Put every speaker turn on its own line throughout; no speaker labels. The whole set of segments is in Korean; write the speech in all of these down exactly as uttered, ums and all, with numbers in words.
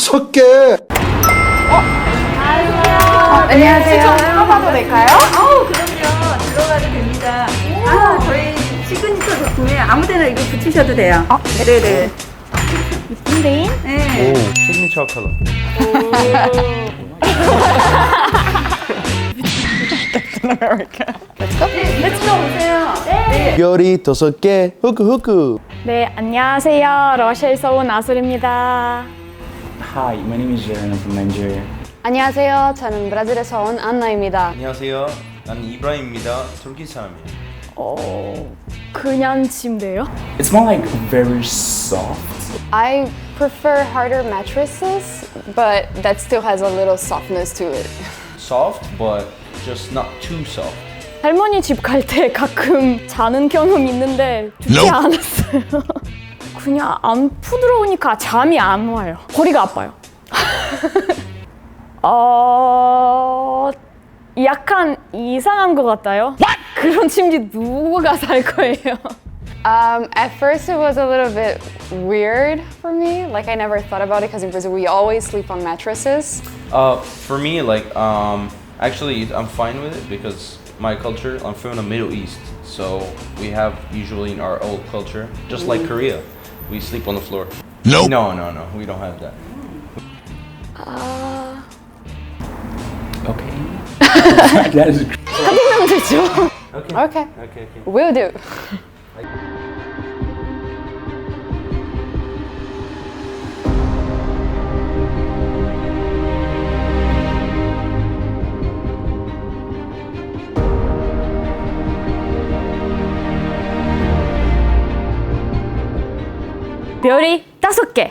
다섯 개.
안녕하세요. 좀 들어가도 될까요?
아우 그럼요. 들어가도 됩니다. 아 저희 시그니처 제품에 아무데나 이거 붙이셔도 돼요.
아,
네네.
네.
네.
시그니처 컬러.
렛츠고 오세요. 네.
별이 다섯 개. 후크 후크.
네, 안녕하세요. 러시아에서 온 아술입니다.
Hi, my name is Jaren. I'm from Nigeria.
안녕하세요. 저는 브라질에서 온 안나입니다.
안녕하세요. 나는 이브라임입니다. 터키 사람이에요.
어, 그냥 침대요?
It's more like very soft.
I prefer harder mattresses, but that still has a little softness to it.
Soft, but just not too soft.
할머니 집 갈 때 가끔 자는 경험 있는데 좋지 않았어요. 그냥 안 부드러우니까 잠이 안 와요. 허리가 아파요. 어... 약간 이상한 것 같아요. 그런 침대 누가 살 거예요?
Um, at first, it was a little bit weird for me. Like I never thought about it because in Brazil we always sleep on mattresses.
Uh, for me, like, um, actually, I'm fine with it because my culture, I'm from the Middle East, so we have usually in our old culture, just like Korea, we sleep on the floor. No. No, no, no, we don't have that.
아...
Okay. That is
하면 되죠.
Okay.
Okay,
Okay. Okay.
will do.
별이 다섯 개.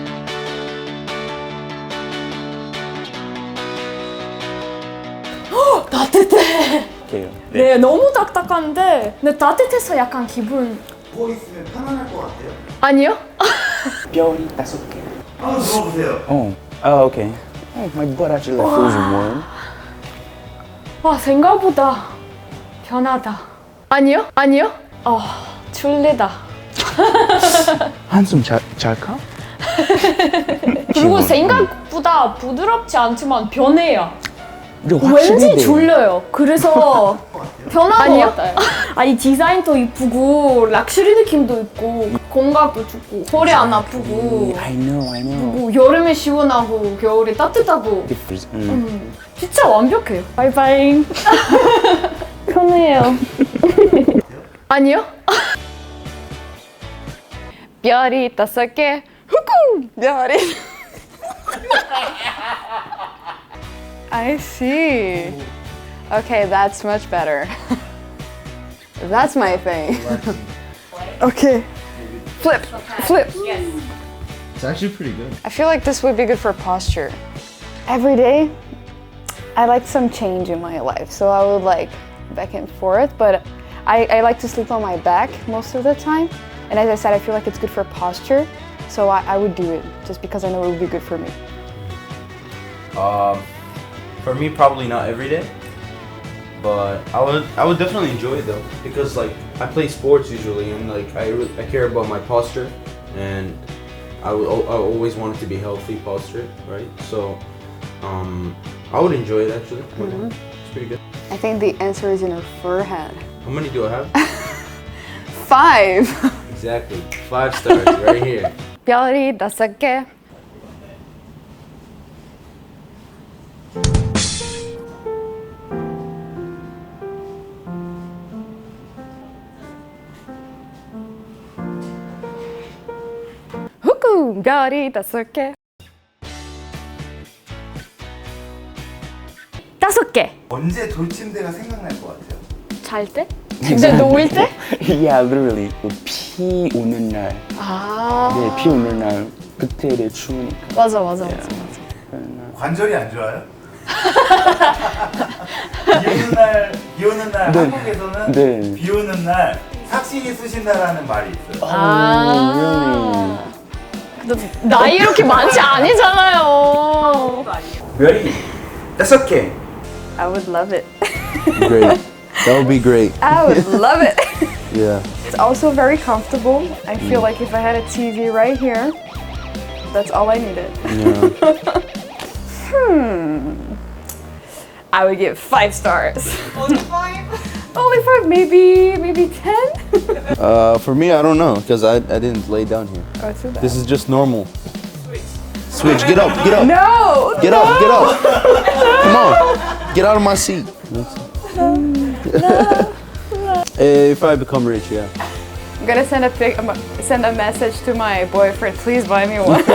헉, 따뜻해.
okay.
네, 너무 딱딱한데 근데 따뜻해서 약간 기분
누워 있으면 편안할 것 같아요.
아니요?
별이 다섯 개.
한번 누워보세요.
Oh. Oh, okay. Oh, my butt actually like feels warm.
와, 생각보다 편하다. 아니요? 아니요? 어, 졸리다.
한숨 잘 잘까?
그리고 생각보다 부드럽지 않지만 변해요.
근데
왠지
확실히
졸려요. 그래서 편한
아니요?
것 같아요. 아, 이 디자인도 이쁘고 락셔리 느낌도 있고 건강도 좋고 허리 안 아프고
I know, I know.
뭐 여름에 시원하고 겨울에 따뜻하고
Difference. 음.
음, 진짜 완벽해요. 바이바이. 편해요. 아니요?
별이 다섯 개. 후쿠! 별이. I see. Okay, that's much better. That's my thing. Okay. Flip, flip.
It's actually pretty good.
I feel like this would be good for posture. Every day, I like some change in my life, so I would like back and forth, but I, I like to sleep on my back most of the time. And as I said, I feel like it's good for posture, so I, I would do it just because I know it would be good for me.
Um, for me, probably not every day, but I would I would definitely enjoy it though because like I play sports usually and like I re- I care about my posture and I would I always want it to be healthy posture, right? So um, I would enjoy it actually.
Mhm.
It's pretty good.
I think the answer is in her forehead.
How many do I have?
Five!
Exactly, five stars right here.
별이 다섯 개. 후쿠! 별이 다섯 개.
다섯 개.
언제 돌침대가 생각날 것 같아요?
잘 때? 근데 누울 때?
Yeah, literally. 비 오는 날.
아.
네, 비 오는 날. 그때 추우니까.
맞아, 맞아, 맞아, 맞아.
관절이 안 좋아요? 비 오는 날, 비 오는 날
네.
한국에서는
네.
비 오는 날 삭신이 쑤신다라는 말이 있어요.
아. 근데 나이 이렇게 많지 아니잖아요.
별이 다섯 개.
I would love it.
Great. That would be great.
I would love it.
Yeah.
It's also very comfortable. I feel like if I had a T V right here, That's all I needed.
Yeah.
I would give five stars. Only five? Only five, maybe, maybe ten?
Uh, for me, I don't know, because I, I didn't lay down here.
Oh, too bad.
This is just normal. Switch, get up, get up.
No!
Get up, get up. Come on, get out of my seat. If I become rich, yeah.
I'm gonna send a pic, um, send a message to my boyfriend. Please buy me one.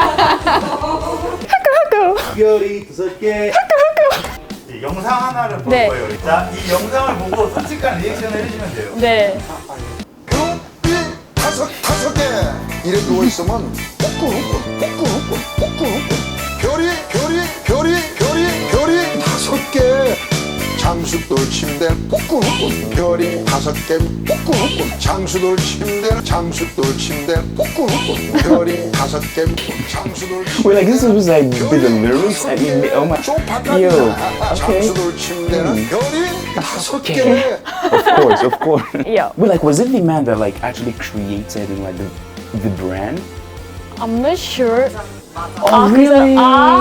이 영상 하나를 볼
네.
거예요. 자, 이 영상을 보고 솔직한 리액션을 해주시면 돼요.
네.
별이 다섯 다섯 개 이래 누워 있으면 꾸꾸꾸꾸 꾸꾸꾸꾸 꾸꾸꾸꾸 별이 별이 별이 별이 별이 다섯 개 장수돌 침대 꾸꾸꾸꾸 별이 다섯 개 꾸꾸꾸꾸 장수돌 침대 장수돌 침대 꾸꾸꾸꾸 별이 다섯 개 장수돌
Wait, like this was like a bit of lyrics. I mean, oh my. Yo, okay.
장수돌 침대는 별이 다섯 개
Of course, of course.
Yeah.
Wait, like, was it the man that like actually created like the the brand?
I'm not sure.
Oh, really?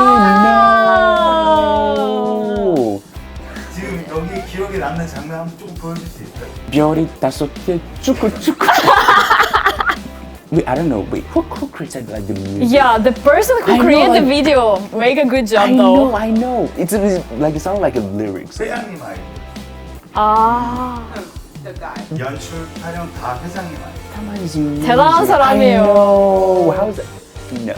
아.
No.
지금 여기 기억에 남는 장면 한번 조금 보여줄 수 있어요?
별이 다섯 개 쭈꾸쭈꾸. Wait, I don't know. Wait, who who created like the music?
Yeah, the person who
I know,
created the
like-
video make a good job
I
though.
know, I know. It's, it's like it sounded like a lyrics.
회장님 아이디.
아,
연출, 촬영 다 회장님 아이디.
대단한 사람이에요.
No, how is that? No.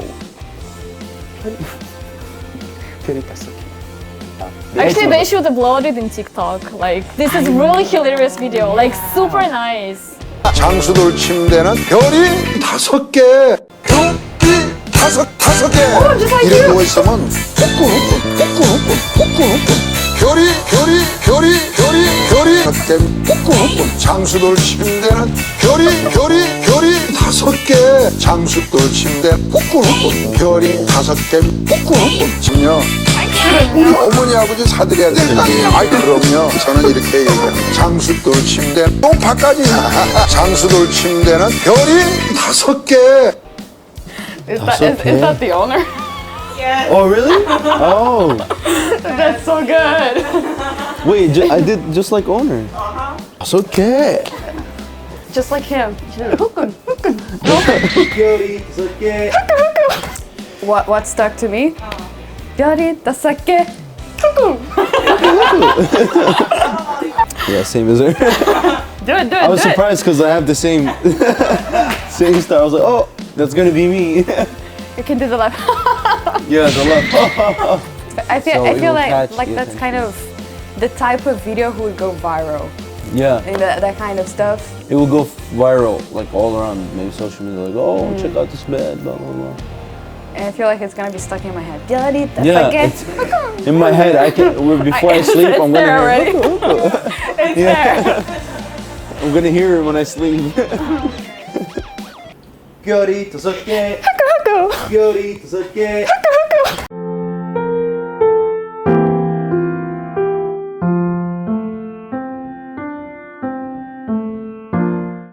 별이 다섯 개.
Actually, they should upload it in TikTok. Like, this is really hilarious video. Like, super nice.
장수돌 침대는 별이 다섯 개 별이 다섯 다섯 개 이래 누워 있으면 꾸꾸꾸꾸 꾸꾸꾸꾸 꾸꾸꾸꾸 별이 별이 별이 별이 별이 다섯 개 꾸꾸꾸꾸 장수돌 침대는 별이 별이 별이 다섯 개 장수돌 침대 꾸꾸꾸꾸 별이 다섯 개 꾸꾸꾸꾸 지금요 우리 어머니 아버지 사드려야 되는 게 아이 그럼요 저는 이렇게 얘기해요 장수돌 침대 소파까지 장수돌 침대는 별이 다섯 개
Is that, is, is that the owner?
Oh, really? Oh,
That's so good.
wait, ju- I did just like owner. It's okay.
Just like him. What what stuck to me? 별이 다섯 개.
Yeah, same as her.
Do it, do it,
I was
do it.
surprised because I have the same same style. I was like, oh, that's gonna be me.
You can do the left.
Yeah, the left.
I feel
So
I
it
feel
will
like
catch
like
the
that's kind of the type of video who would go viral
Yeah,
and that, that kind of stuff.
it will go viral like all around maybe social media. Like, oh, check out this bed, blah blah blah.
And I feel like it's gonna be stuck in my head. 별이 다섯
Yeah,
개.
it's- In my head, I can. Before I,
It's-
sleep,
it's
I'm
there
gonna.
already. It's there.
I'm gonna hear it when I sleep. 별이 다섯 개. 별이 다섯 개.